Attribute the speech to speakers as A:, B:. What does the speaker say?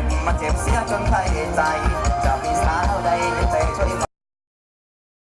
A: มันเจ็บเสียจนใครใจจะมีสาวใดแต่ช่วย